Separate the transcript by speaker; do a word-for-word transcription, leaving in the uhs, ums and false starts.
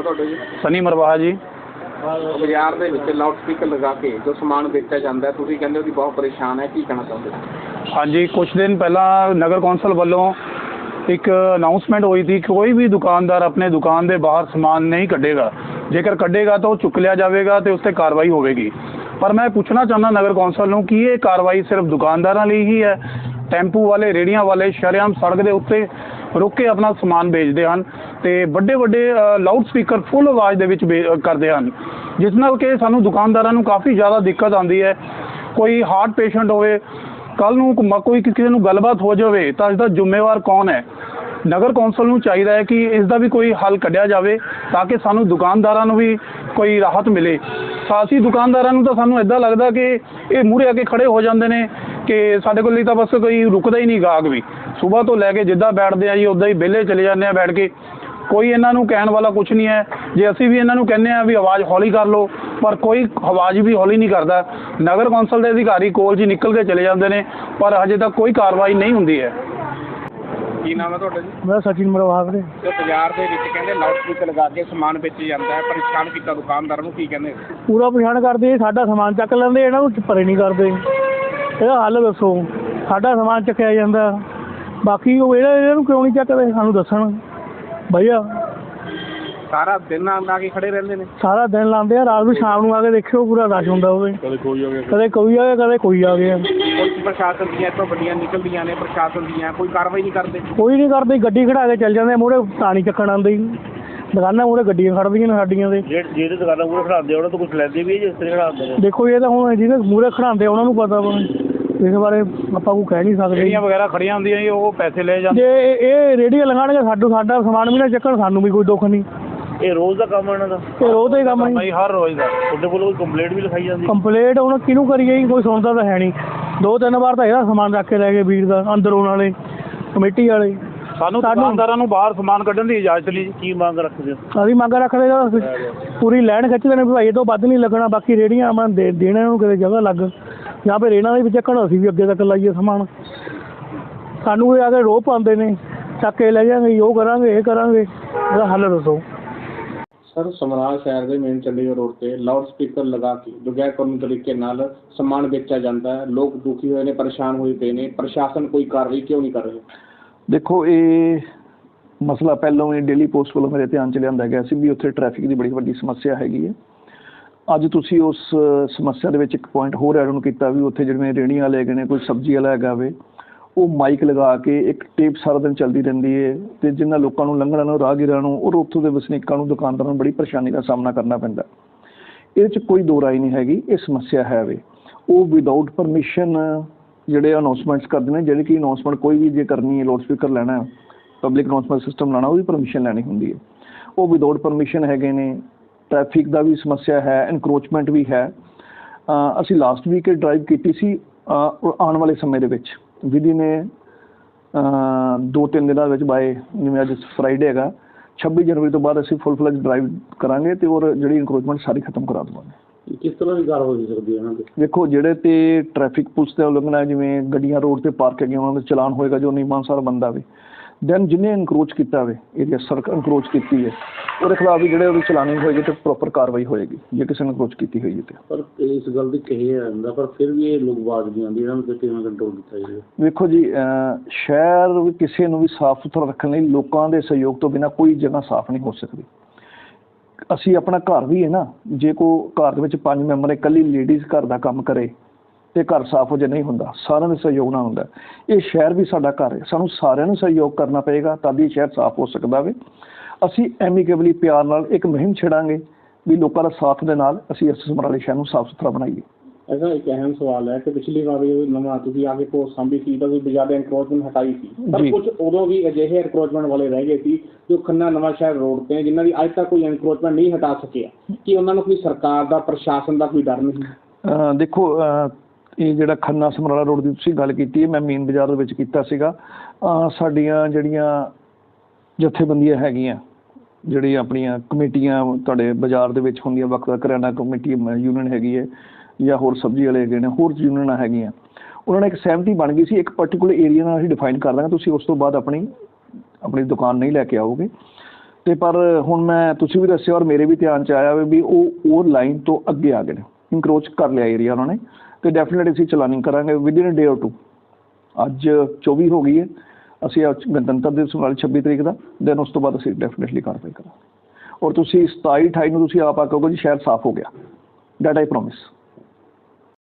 Speaker 1: ਤੁਹਾਡਾ ਜੀ?
Speaker 2: ਸਨੀ ਮਰਵਾਹਾ ਜੀ।
Speaker 1: ਬਾਜ਼ਾਰ ਦੇ ਵਿੱਚ ਲਾਊਡ ਸਪੀਕਰ ਲਗਾ ਕੇ ਜੋ ਸਮਾਨ ਵੇਚਿਆ ਜਾਂਦਾ ਤੁਸੀਂ ਕਹਿੰਦੇ ਹੋ ਕਿ ਬਹੁਤ ਪਰੇਸ਼ਾਨ ਹੈ, ਕੀ ਕਹਿਣਾ ਚਾਹੁੰਦੇ ਹੋ?
Speaker 2: ਹਾਂਜੀ, ਕੁਛ ਦਿਨ ਪਹਿਲਾਂ ਨਗਰ ਕੌਂਸਲ ਵੱਲੋਂ ਇੱਕ ਅਨਾਉਂਸਮੈਂਟ ਹੋਈ ਸੀ ਕਿ ਕੋਈ ਵੀ ਦੁਕਾਨਦਾਰ ਆਪਣੇ ਦੁਕਾਨ ਦੇ ਬਾਹਰ ਸਮਾਨ ਨਹੀਂ ਕੱਢੇਗਾ, ਜੇਕਰ ਕੱਢੇਗਾ ਤਾਂ ਉਹ ਚੁੱਕ ਲਿਆ ਜਾਵੇਗਾ ਅਤੇ ਉਸ 'ਤੇ ਕਾਰਵਾਈ ਹੋਵੇਗੀ। ਪਰ ਮੈਂ ਪੁੱਛਣਾ ਚਾਹੁੰਦਾ ਨਗਰ ਕੌਂਸਲ ਨੂੰ ਕਿ ਇਹ ਕਾਰਵਾਈ ਸਿਰਫ ਦੁਕਾਨਦਾਰਾਂ ਲਈ ਹੀ ਹੈ? ਟੈਂਪੂ ਵਾਲੇ, ਰੇਹੜੀਆਂ ਵਾਲੇ ਸ਼ਰੇਆਮ ਸੜਕ ਦੇ ਉੱਤੇ ਰੁਕ ਕੇ ਆਪਣਾ ਸਮਾਨ ਵੇਚਦੇ ਹਨ ਅਤੇ ਵੱਡੇ ਵੱਡੇ ਲਾਊਡ ਸਪੀਕਰ ਫੁੱਲ ਆਵਾਜ਼ ਦੇ ਵਿੱਚ ਵੇ ਕਰਦੇ ਹਨ, ਜਿਸ ਨਾਲ ਕਿ ਸਾਨੂੰ ਦੁਕਾਨਦਾਰਾਂ ਨੂੰ ਕਾਫੀ ਜ਼ਿਆਦਾ ਦਿੱਕਤ ਆਉਂਦੀ ਹੈ। ਕੋਈ ਹਾਰਟ ਪੇਸ਼ੈਂਟ ਹੋਵੇ, ਕੱਲ੍ਹ ਨੂੰ ਕੋਈ ਕਿਸੇ ਨੂੰ ਗੱਲਬਾਤ ਹੋ ਜਾਵੇ ਤਾਂ ਇਸਦਾ ਜ਼ਿੰਮੇਵਾਰ ਕੌਣ ਹੈ? ਨਗਰ ਕੌਂਸਲ ਨੂੰ ਚਾਹੀਦਾ ਹੈ ਕਿ ਇਸ ਦਾ ਵੀ ਕੋਈ ਹੱਲ ਕੱਢਿਆ ਜਾਵੇ ਤਾਂ ਕਿ ਸਾਨੂੰ ਦੁਕਾਨਦਾਰਾਂ ਨੂੰ ਵੀ ਕੋਈ ਰਾਹਤ ਮਿਲੇ। ਸਾਸੀ ਦੁਕਾਨਦਾਰਾਂ ਨੂੰ ਤਾਂ ਸਾਨੂੰ ਇੱਦਾਂ ਲੱਗਦਾ ਕਿ ਇਹ ਮੂਹਰੇ ਆ ਕੇ ਖੜ੍ਹੇ ਹੋ ਜਾਂਦੇ ਨੇ ਕਿ ਸਾਡੇ ਕੋਲ ਲਈ ਤਾਂ ਬਸ ਕੋਈ ਰੁਕਦਾ ਹੀ ਨਹੀਂ ਗਾਹਕ ਵੀ। ਸੁਬਾਹ ਤੋਂ ਲੈ ਕੇ ਜਿੱਦਾਂ ਬੈਠਦੇ ਆ ਜੀ ਉੱਦਾਂ ਹੀ ਵਿਹਲੇ ਚਲੇ ਜਾਂਦੇ ਆ ਬੈਠ ਕੇ, ਕੋਈ ਇਹਨਾਂ ਨੂੰ ਕਹਿਣ ਵਾਲਾ ਕੁਛ ਨਹੀਂ ਹੈ। ਜੇ ਅਸੀਂ ਵੀ ਇਹਨਾਂ ਨੂੰ ਕਹਿੰਦੇ ਹਾਂ ਵੀ ਆਵਾਜ਼ ਹੌਲੀ ਕਰ ਲਓ, ਪਰ ਕੋਈ ਆਵਾਜ਼ ਵੀ ਹੌਲੀ ਨਹੀਂ ਕਰਦਾ। ਨਗਰ ਕੌਂਸਲ ਦੇ ਅਧਿਕਾਰੀ ਕੋਲ ਜੀ ਨਿਕਲ ਕੇ ਚਲੇ ਜਾਂਦੇ ਨੇ, ਪਰ ਹਜੇ ਤੱਕ ਕੋਈ ਕਾਰਵਾਈ ਨਹੀਂ ਹੁੰਦੀ ਹੈ।
Speaker 1: ਕੀ ਨਾਮ ਹੈ ਤੁਹਾਡਾ ਜੀ?
Speaker 3: ਮੈਂ ਸਚਿਨ ਮਰਵਾਹਾ ਵੀਰੇ।
Speaker 1: ਤੇ ਬਾਜ਼ਾਰ ਦੇ ਵਿੱਚ ਕਹਿੰਦੇ ਲਾਊਡ ਸਪੀਕਰ ਲਗਾ ਕੇ ਸਮਾਨ ਵੇਚਿਆ ਜਾਂਦਾ ਹੈ, ਪਰੇਸ਼ਾਨ ਕੀਤਾ ਦੁਕਾਨਦਾਰਾਂ ਨੂੰ, ਕੀ ਕਹਿੰਦੇ?
Speaker 3: ਪੂਰਾ ਪਛਾਣ ਕਰਦੇ, ਸਾਡਾ ਸਮਾਨ ਚੱਕ ਲੈਂਦੇ, ਇਹਨਾਂ ਨੂੰ ਪਰੇ ਨਹੀਂ ਕਰਦੇ। ਇਹਦਾ ਹੱਲ ਦੱਸੋ। ਸਾਡਾ ਸਮਾਨ ਚੱਕਿਆ ਜਾਂਦਾ, ਬਾਕੀ ਉਹ ਇਹਨਾਂ ਇਹਨਾਂ ਨੂੰ ਕਿਉਂ ਨਹੀਂ ਚੱਕਦੇ ਸਾਨੂੰ ਦੱਸਣ ਭਈਆ।
Speaker 1: ਸਾਰਾ ਦਿਨ ਆ ਕੇ ਖੜੇ ਰਹਿੰਦੇ ਨੇ?
Speaker 3: ਸਾਰਾ ਦਿਨ ਲਾਉਂਦੇ ਆ, ਰਾਤ ਨੂੰ ਸ਼ਾਮ ਨੂੰ ਆ ਕੇ ਦੇਖਿਓ ਪੂਰਾ ਰਸ਼ ਹੁੰਦਾ ਹੋਵੇ। ਕਦੇ ਕੋਈ ਆ ਗਿਆ, ਕਦੇ ਕੋਈ ਆ ਗਿਆ, ਕਦੇ ਕੋਈ ਆ ਗਿਆ।
Speaker 1: ਕੋਈ ਪ੍ਰਸ਼ਾਸਨ ਦੀਆਂ ਇੱਥੋਂ ਗੱਡੀਆਂ ਨਿਕਲਦੀਆਂ ਨੇ, ਪ੍ਰਸ਼ਾਸਨ ਦੀਆਂ ਕੋਈ ਕਾਰਵਾਈ ਨਹੀਂ ਕਰਦੇ?
Speaker 3: ਕੋਈ ਨਹੀਂ ਕਰਦੇ, ਗੱਡੀ ਖੜਾ ਕੇ ਚੱਲ ਜਾਂਦੇ, ਮੂਹਰੇ ਪਾਣੀ ਚੱਕਣ ਆਉਂਦੇ। ਦੁਕਾਨਾਂ ਮੂਹਰੇ ਗੱਡੀਆਂ ਖੜ੍ਹਦੀਆਂ ਨੇ ਸਾਡੀਆਂ ਦੇ।
Speaker 4: ਜਿਹੜੇ ਦੁਕਾਨਾਂ ਮੂਹਰੇ ਖੜਾਉਂਦੇ ਉਹਨਾਂ ਤੋਂ ਕੁਛ ਲੈਂਦੇ ਵੀ ਜਿਸ ਤਰ੍ਹਾਂ ਖੜਾਉਂਦੇ ਨੇ।
Speaker 3: ਦੇਖੋ ਇਹ ਤਾਂ ਹੁਣ ਜਿਹਨੇ ਮੂਹਰੇ ਖੜਾਉਂਦੇ ਉਹਨਾਂ ਨੂੰ ਪਤਾ ਵਾ, ਇਸ ਬਾਰੇ ਆਪਾਂ ਕੋਈ ਕਹਿ ਨਹੀਂ ਸਕਦੇ।
Speaker 2: ਰੇਹੜੀਆਂ ਵਗੈਰਾ ਖੜੀਆਂ ਹੁੰਦੀਆਂ ਜੀ, ਉਹ ਪੈਸੇ ਲੈ ਜਾਂਦੇ।
Speaker 3: ਜੇ ਇਹ ਰੇਹੜੀਆਂ ਲਗਾਉਣਗੇ ਸਾਡੂ ਸਾਡਾ ਸਮਾਨ ਵੀ ਨਾ ਚੱਕਣ, ਸਾਨੂੰ ਵੀ ਕੋਈ ਦੁੱਖ ਨਹੀਂ।
Speaker 4: ਇਹ ਰੋਜ਼ ਦਾ ਕੰਮ ਇਹਨਾਂ ਦਾ?
Speaker 3: ਇਹ ਰੋਜ਼ ਦਾ ਹੀ ਕੰਮ ਹੈ,
Speaker 2: ਹਰ ਰੋਜ਼ ਦਾ।
Speaker 4: ਤੁਹਾਡੇ ਕੋਲ ਕੋਈ ਕੰਪਲੇਂਟ ਵੀ ਲਿਖਾਈ ਜਾਂਦੀ?
Speaker 3: ਕੰਪਲੇਂਟ ਹੁਣ ਕਿਹਨੂੰ ਕਰੀਏ ਜੀ, ਕੋਈ ਸੁਣਦਾ ਤਾਂ ਹੈ ਨਹੀਂ। ਦੋ ਤਿੰਨ ਵਾਰ ਤਾਂ ਇਹਦਾ ਸਮਾਨ ਰੱਖ ਕੇ ਲੈ ਗਏ ਵੀਰ ਦਾ, ਅੰਦਰ ਉਹਨਾਂ ਵਾਲੇ ਕਮੇਟੀ ਵਾਲੇ।
Speaker 2: ਸਾਨੂੰ ਦੁਕਾਨਦਾਰਾਂ ਨੂੰ ਬਾਹਰ ਸਮਾਨ ਕੱਢਣ ਦੀ ਇਜਾਜ਼ਤ ਨਹੀਂ।
Speaker 4: ਕੀ ਮੰਗ ਰੱਖਦੇ ਹੋ?
Speaker 3: ਅਸੀਂ ਮੰਗ ਰੱਖਦੇ ਹਾਂ ਪੂਰੀ ਲਾਈਨ ਖਿੱਚਦੇ ਨੇ, ਭਾਈ ਇਹ ਤੋਂ ਵੱਧ ਨਹੀਂ ਲੱਗਣਾ। ਬਾਕੀ ਰੇਹੜੀਆਂ ਆਪਾਂ ਦੇ ਦੇਣਾ ਨੂੰ ਕਿਤੇ ਜਗ੍ਹਾ ਲੱਗ, ਜਾਂ ਫਿਰ ਇਹਨਾਂ ਦੇ ਵਿੱਚ ਚੱਕਣ, ਅਸੀਂ ਵੀ ਅੱਗੇ ਤੱਕ ਲਾਈਏ ਸਮਾਨ। ਸਾਨੂੰ ਇਹ ਆ ਕੇ ਰੋਹ ਪਾਉਂਦੇ ਨੇ, ਚੱਕ ਕੇ ਲੈ ਜਾਂਗੇ, ਉਹ ਕਰਾਂਗੇ, ਇਹ ਕਰਾਂਗੇ। ਇਹਦਾ ਹੱਲ ਦੱਸੋ।
Speaker 1: ਸਰ, ਸਮਰਾਲਾ ਸ਼ਹਿਰ ਦੇ ਮੇਨ ਚੰਡੀਗੜ੍ਹ ਰੋਡ ਤੇ ਲਾਊਡ ਸਪੀਕਰ ਲਗਾ ਕੇ ਬਗੈਰ ਕਾਨੂੰਨੀ ਤਰੀਕੇ ਨਾਲ ਸਮਾਨ ਵੇਚਿਆ ਜਾਂਦਾ ਹੈ। ਲੋਕ ਦੁਖੀ ਹੋਏ ਨੇ, ਪਰੇਸ਼ਾਨ ਹੋਏ ਪਏ ਨੇ। ਪ੍ਰਸ਼ਾਸਨ ਕੋਈ ਕਾਰਵਾਈ ਕਿਉਂ ਨਹੀਂ ਕਰ ਰਿਹਾ?
Speaker 5: ਦੇਖੋ, ਇਹ ਮਸਲਾ ਪਹਿਲਾਂ ਵੀ ਡੇਲੀ ਪੋਸਟ ਵੱਲੋਂ ਮੇਰੇ ਧਿਆਨ 'ਚ ਲਿਆਂਦਾ ਗਿਆ ਸੀ ਵੀ ਉੱਥੇ ਟ੍ਰੈਫਿਕ ਦੀ ਬੜੀ ਵੱਡੀ ਸਮੱਸਿਆ ਹੈਗੀ ਹੈ। ਅੱਜ ਤੁਸੀਂ ਉਸ ਸਮੱਸਿਆ ਦੇ ਵਿੱਚ ਇੱਕ ਪੁਆਇੰਟ ਹੋਰ ਐਡ ਆਨ ਕੀਤਾ ਵੀ ਉੱਥੇ ਜਿਵੇਂ ਰੇਹੜੀਆਂ ਵਾਲੇ ਹੈਗੇ ਨੇ, ਕੋਈ ਸਬਜ਼ੀ ਵਾਲਾ ਹੈਗਾ ਵੇ, ਉਹ ਮਾਈਕ ਲਗਾ ਕੇ ਇੱਕ ਟੇਪ ਸਾਰਾ ਦਿਨ ਚੱਲਦੀ ਰਹਿੰਦੀ ਹੈ ਅਤੇ ਜਿਨ੍ਹਾਂ ਲੋਕਾਂ ਨੂੰ ਲੰਘਣਾ ਨੂੰ, ਰਾਹਗੀਰਾਂ ਨੂੰ, ਔਰ ਉੱਥੋਂ ਦੇ ਵਸਨੀਕਾਂ ਨੂੰ, ਦੁਕਾਨਦਾਰਾਂ ਨੂੰ ਬੜੀ ਪਰੇਸ਼ਾਨੀ ਦਾ ਸਾਹਮਣਾ ਕਰਨਾ ਪੈਂਦਾ। ਇਹਦੇ 'ਚ ਕੋਈ ਦੋ ਰਾਏ ਨਹੀਂ ਹੈਗੀ, ਇਹ ਸਮੱਸਿਆ ਹੈ ਵੇ। ਉਹ ਵਿਦਆਊਟ ਪਰਮਿਸ਼ਨ ਜਿਹੜੇ ਅਨਾਊਂਸਮੈਂਟਸ ਕਰਦੇ ਨੇ, ਜਿਹੜੀ ਕਿ ਅਨਾਊਂਸਮੈਂਟ ਕੋਈ ਵੀ ਜੇ ਕਰਨੀ ਹੈ, ਲਾਊਡ ਸਪੀਕਰ ਲੈਣਾ, ਪਬਲਿਕ ਅਨਾਊਂਸਮੈਂਟ ਸਿਸਟਮ ਲਾਉਣਾ, ਉਹਦੀ ਪਰਮਿਸ਼ਨ ਲੈਣੀ ਹੁੰਦੀ ਹੈ। ਉਹ ਵਿਦਆਊਟ ਪਰਮਿਸ਼ਨ ਹੈਗੇ ਨੇ। ਟ੍ਰੈਫਿਕ ਦਾ ਵੀ ਸਮੱਸਿਆ ਹੈ, ਇਨਕਰੋਚਮੈਂਟ ਵੀ ਹੈ। ਅਸੀਂ ਲਾਸਟ ਵੀਕ ਇਹ ਡਰਾਈਵ ਕੀਤੀ ਸੀ। ਆਉਣ ਵਾਲੇ ਸਮੇਂ ਦੇ ਵਿੱਚ ਵਿਧੀ ਨੇ ਦੋ ਤਿੰਨ ਦਿਨਾਂ ਵਿੱਚ ਬਾਏ, ਜਿਵੇਂ ਅੱਜ ਫਰਾਈਡੇ ਹੈਗਾ, ਛੱਬੀ ਜਨਵਰੀ ਤੋਂ ਬਾਅਦ ਅਸੀਂ ਫੁੱਲ ਫਲੈਜ ਡਰਾਈਵ ਕਰਾਂਗੇ ਅਤੇ ਔਰ ਜਿਹੜੀ ਇਨਕਰੋਚਮੈਂਟ ਸਾਰੀ ਖਤਮ ਕਰਾ ਦੇਵਾਂਗੇ।
Speaker 4: ਕਿਸ ਤਰ੍ਹਾਂ ਦੀ ਕਾਰਵਾਈ ਹੋ ਸਕਦੀ ਹੈ ਇਹਨਾਂ 'ਤੇ?
Speaker 5: ਦੇਖੋ, ਜਿਹੜੇ ਤੇ ਟ੍ਰੈਫਿਕ ਪੁਲਿਸ ਦਾ ਉਲੰਘਣਾ ਹੈ, ਜਿਵੇਂ ਗੱਡੀਆਂ ਰੋਡ 'ਤੇ ਪਾਰਕ ਹੈਗੀਆਂ, ਉਹਨਾਂ ਦਾ ਚਲਾਨ ਹੋਏਗਾ ਜੋ ਨਿਯਮਾਨੁਸਾਰ ਬੰਦਾ ਵੇ। ਦੈਨ ਜਿਹਨੇ ਇਨਕਰੋਚ ਕੀਤਾ ਹੋਵੇ, ਏਰੀਆ ਸੜਕ ਇਨਕਰੋਚ ਕੀਤੀ ਹੈ, ਉਹਦੇ ਖਿਲਾਫ ਵੀ ਜਿਹੜੇ ਉਹਦੀ ਚਲਾਨਿੰਗ ਹੋਏਗੀ ਅਤੇ ਪ੍ਰੋਪਰ ਕਾਰਵਾਈ ਹੋਏਗੀ ਜੇ ਕਿਸੇ ਨੇ ਇਨਕਰੋਚ ਕੀਤੀ ਹੋਈ ਹੈ। ਤੇ
Speaker 4: ਪਰ ਇਸ ਗੱਲ ਦੀ ਕਹੀ ਜਾਂਦਾ, ਪਰ ਫਿਰ ਵੀ ਇਹ ਲੋਕ ਆਵਾਜ਼ ਨਹੀਂ ਆਉਂਦੀ, ਇਹਨਾਂ ਨੂੰ ਕਿਵੇਂ ਕੰਟਰੋਲ ਕੀਤਾ ਜਾਵੇ?
Speaker 5: ਵੇਖੋ ਜੀ, ਸ਼ਹਿਰ ਵੀ ਕਿਸੇ ਨੂੰ ਵੀ ਸਾਫ਼ ਸੁਥਰਾ ਰੱਖਣ ਲਈ ਲੋਕਾਂ ਦੇ ਸਹਿਯੋਗ ਤੋਂ ਬਿਨਾਂ ਕੋਈ ਜਗ੍ਹਾ ਸਾਫ਼ ਨਹੀਂ ਹੋ ਸਕਦੀ। ਅਸੀਂ ਆਪਣਾ ਘਰ ਵੀ ਹੈ ਨਾ, ਜੇ ਕੋਈ ਘਰ ਦੇ ਵਿੱਚ ਪੰਜ ਮੈਂਬਰ, ਇਕੱਲੀ ਲੇਡੀਜ਼ ਘਰ ਦਾ ਕੰਮ ਕਰੇ ਅਤੇ ਘਰ ਸਾਫ਼ ਹੋ ਜੇ ਨਹੀਂ ਹੁੰਦਾ, ਸਾਰਿਆਂ ਦੇ ਸਹਿਯੋਗ ਨਾਲ ਹੁੰਦਾ। ਇਹ ਸ਼ਹਿਰ ਵੀ ਸਾਡਾ ਘਰ ਹੈ, ਸਾਨੂੰ ਸਾਰਿਆਂ ਨੂੰ ਸਹਿਯੋਗ ਕਰਨਾ ਪਏਗਾ ਤਦ ਹੀ ਸ਼ਹਿਰ ਸਾਫ਼ ਹੋ ਸਕਦਾ ਵੇ। ਅਸੀਂ ਐਮੀਕੇਬਲੀ ਪਿਆਰ ਨਾਲ ਇੱਕ ਮੁਹਿੰਮ ਛੇੜਾਂਗੇ ਵੀ ਲੋਕਾਂ ਦਾ ਸਾਥ ਦੇ ਨਾਲ ਅਸੀਂ ਇਸ ਸਮਰਾਲੇ ਸ਼ਹਿਰ ਨੂੰ ਸਾਫ਼ ਸੁਥਰਾ ਬਣਾਈਏ।
Speaker 1: ਐਸਾ ਇੱਕ ਅਹਿਮ ਸਵਾਲ ਹੈ ਕਿ ਪਿਛਲੀ ਵਾਰ ਨਵਾਂ ਤੁਸੀਂ ਆ ਕੇ ਪੋਸਟ ਸਾਂਭੀ ਸੀ ਤਾਂ ਤੁਸੀਂ ਜ਼ਿਆਦਾ ਇਨਕਰੋਚਮੈਂਟ ਹਟਾਈ ਸੀ, ਪਰ ਕੁਝ ਉਦੋਂ ਵੀ ਅਜਿਹੇ ਇਨਕਰੋਚਮੈਂਟ ਵਾਲੇ ਰਹਿ ਗਏ ਸੀ ਜੋ ਖੰਨਾ ਨਵਾਂ ਸ਼ਹਿਰ ਰੋਡ 'ਤੇ, ਜਿਨ੍ਹਾਂ ਦੀ ਅੱਜ ਤੱਕ ਕੋਈ ਇਨਕਰੋਚਮੈਂਟ ਨਹੀਂ ਹਟਾ ਸਕਿਆ। ਕਿ ਉਹਨਾਂ ਨੂੰ ਕੋਈ ਸਰਕਾਰ ਦਾ, ਪ੍ਰਸ਼ਾਸਨ ਦਾ ਕੋਈ ਡਰ ਨਹੀਂ?
Speaker 5: ਦੇਖੋ, ਇਹ ਜਿਹੜਾ ਖੰਨਾ ਸਮਰਾਲਾ ਰੋਡ ਦੀ ਤੁਸੀਂ ਗੱਲ ਕੀਤੀ ਹੈ, ਮੈਂ ਮੇਨ ਬਾਜ਼ਾਰ ਦੇ ਵਿੱਚ ਕੀਤਾ ਸੀਗਾ। ਸਾਡੀਆਂ ਜਿਹੜੀਆਂ ਜਥੇਬੰਦੀਆਂ ਹੈਗੀਆਂ, ਜਿਹੜੀਆਂ ਆਪਣੀਆਂ ਕਮੇਟੀਆਂ ਤੁਹਾਡੇ ਬਾਜ਼ਾਰ ਦੇ ਵਿੱਚ ਹੁੰਦੀਆਂ, ਵੱਖ ਵੱਖ ਕਰਿਆਨਾ ਕਮੇਟੀ ਯੂਨੀਅਨ ਹੈਗੀ ਹੈ, ਜਾਂ ਹੋਰ ਸਬਜ਼ੀ ਵਾਲੇ ਹੈਗੇ ਨੇ, ਹੋਰ ਯੂਨੀਅਨਾਂ ਹੈਗੀਆਂ, ਉਹਨਾਂ ਨੇ ਇੱਕ ਸਹਿਮਤੀ ਬਣ ਗਈ ਸੀ, ਇੱਕ ਪਰਟੀਕੂਲਰ ਏਰੀਆ ਨਾਲ ਅਸੀਂ ਡਿਫਾਈਨ ਕਰ ਦਾਂਗੇ, ਤੁਸੀਂ ਉਸ ਤੋਂ ਬਾਅਦ ਆਪਣੀ ਆਪਣੀ ਦੁਕਾਨ ਨਹੀਂ ਲੈ ਕੇ ਆਓਗੇ। ਤੇ ਪਰ ਹੁਣ ਮੈਂ ਤੁਸੀਂ ਵੀ ਦੱਸਿਆ ਔਰ ਮੇਰੇ ਵੀ ਧਿਆਨ ਚ ਆਇਆ ਵੀ ਉਹ ਉਹ ਲਾਈਨ ਤੋਂ ਅੱਗੇ ਆ ਗਏ ਨੇ, ਇਨਕਰੋਚ ਕਰ ਲਿਆ ਏਰੀਆ ਉਹਨਾਂ ਨੇ, ਤੇ ਡੈਫੀਨਿਟਲੀ ਅਸੀਂ ਚਲਾਨਿੰਗ ਕਰਾਂਗੇ ਵਿਦਿਨ ਡੇ ਔਰ ਟੂ। ਅੱਜ ਚੌਵੀ ਹੋ ਗਈ ਹੈ, ਅਸੀਂ ਅੱਜ ਗਣਤੰਤਰ ਦਿਵਸ ਵਾਲੀ ਛੱਬੀ ਤਰੀਕ ਦਾ, ਦੈਨ ਉਸ ਤੋਂ ਬਾਅਦ ਅਸੀਂ ਡੈਫੀਨਿਟਲੀ ਕਾਰਵਾਈ ਕਰਾਂਗੇ। ਔਰ ਤੁਸੀਂ ਸਤਾਈ ਅਠਾਈ ਨੂੰ ਤੁਸੀਂ ਆਪ ਆ ਕਹੋਗੇ ਜੀ ਸ਼ਹਿਰ ਸਾਫ਼ ਹੋ ਗਿਆ, ਦੈਟ ਆਈ ਪ੍ਰੋਮਿਸ।